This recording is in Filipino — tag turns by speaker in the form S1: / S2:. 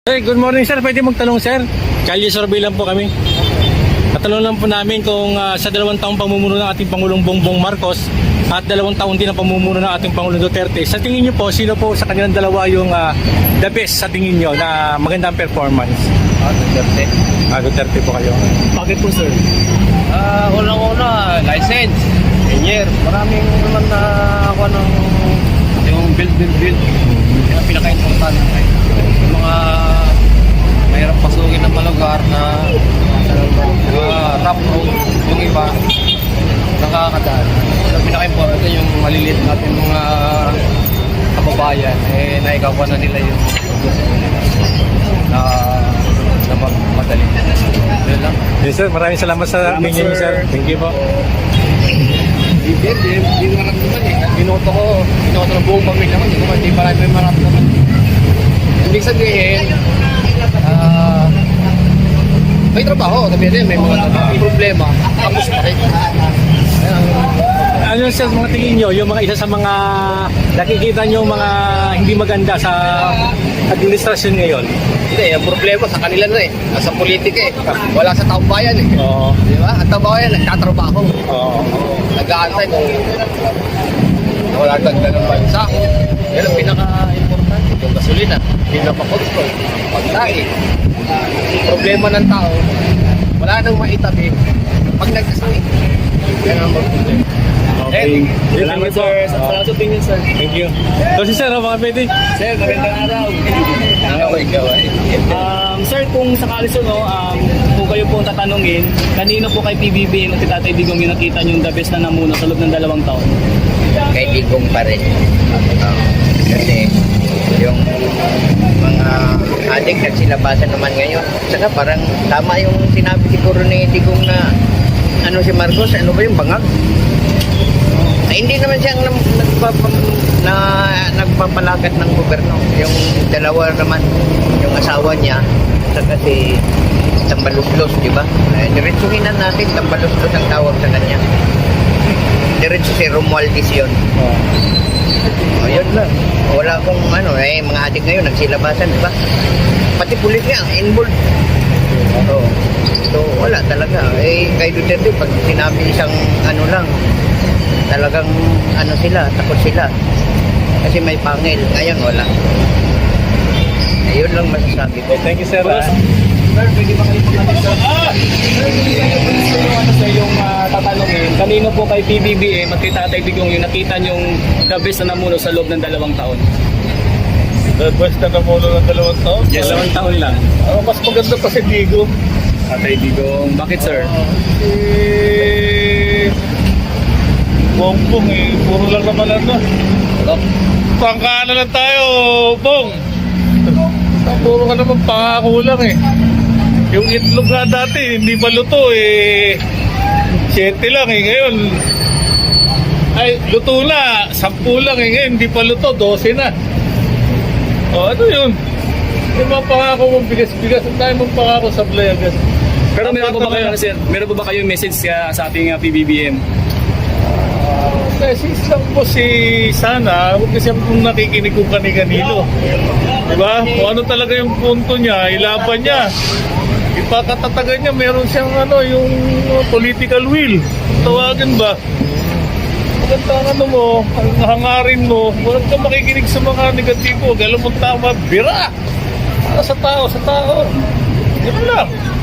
S1: Hey, good morning sir. Pwede magtanong sir? Kalye survey lang po kami. Katanong lang po namin kung sa 2 taong pamumuno ng ating Pangulong Bongbong Marcos at 2 taon din ang pamumuno ng ating Pangulong Duterte. Sa tingin niyo po, sino po sa kanilang dalawa yung the best sa tingin niyo na magandang performance?
S2: Duterte.
S1: Duterte po kayo. Bakit po sir?
S2: Unang-una, license, engineer. Maraming naman na ako ng yung build. Yan ang pinaka-importante. Yung mga mahirap pasukin ng mga lugar na rough road, yung iba nakakadaan. Ang pinaka-importante yung maliliit natin mga kababayan, naikawa na nila yung na madali. Yun lang.
S1: Yes sir, maraming salamat sa opinion niyo sir. Thank you po.
S2: Hindi maramdaman eh. Binoto ng buong pamilya ko. Hindi marami maramdaman. Ibig sabihin, may trabaho. Sabihin may mga problema. Tapos pa rin.
S1: Ano sir, mga tingin niyo, yung mga isa sa mga nakikita niyo mga hindi maganda sa administrasyon ngayon?
S2: Hindi, ang problema sa kanila na eh. Nasa politika eh. Wala sa taong bayan eh.
S1: Oo.
S2: Di ba? Ang taong bayan, nagtatrabaho.
S1: Oo.
S2: Nag-aantay kung wala dagdag ng bansa. Yan ang pinaka-importante. Yung gasolina, pinaka-control, pagkain. Problema ng tao, wala nang maitabi pag nagkasawi. Yan ang problema.
S1: Okay.
S2: Salamat sir. Salamat sa opinion sir.
S1: Thank you. So si sir, mga pwede?
S2: Sir, magandang araw.
S3: Sir, kung sakali sir, kung kayo po tatanungin, kanino po kay PBBM at Tatay Digong yung nakita nyo yung the best na namuno sa loob ng 2 taon?
S4: Kay Digong pa rin. Kasi yung mga adik nagsilabasan naman ngayon. Saka parang tama yung sinabi siguro ni Digong na ano si Marcos, ano ba yung bangag? Hindi naman siyang nagpapalagat ng gobyerno. Yung dalawa naman, yung asawa niya, saka si Tambaloslos, di ba? Diretsuhin na natin, Tambaloslos ang tawag sa kanya. Diretso si Romualdez yun. Yun lang. Wala akong mga adik ngayon, nagsilabasan, di ba? Pati pulis nga, involved. So, wala talaga. Kay Duterte, pag sinabi isang lang, talagang sila, takot sila. Kasi may pangil. Ngayon, wala. Ayun lang masasabi ko.
S1: Thank you sir.
S3: Sir, pwede ba kayo pagkakas sir? Sir, hindi kayo pwede sir yung tatanungin, kanino po kay PBBM at kay Tatay Digong yung nakita nyong the best na namuno sa loob ng 2 taon?
S5: The best na namuno ng 2 taon?
S3: Yes, 2 taon lang.
S5: Mas maganda pa si Digo.
S3: Tatay Digong, bakit sir?
S5: Bongbong puro lang naman pangkaano lang tayo, Bong. Puro ka naman pangako lang Yung itlog nga dati, hindi pa luto 7 lang ngayon. Ay, luto na, 10 lang ngayon, hindi pa luto, 12 na. Ano yun? Yung mga pangako mong bigas-bigas, ang tayo mong pangako sa Blayagas.
S3: Pero meron po ba kayo, sir? Meron po ba kayong message sa ating PBBM?
S5: Message lang po sana, huwag kasi kung nakikinig kung kani-kanino. Diba? Kung ano talaga yung punto niya, ilaban niya. Ipakatatagan niya, meron siyang yung political will. Tawagin ba? Maganda ang mo, ang hangarin mo, huwag ka makikinig sa mga negatibo. Alam mo tama, bira! Para sa tao. Ganun lang.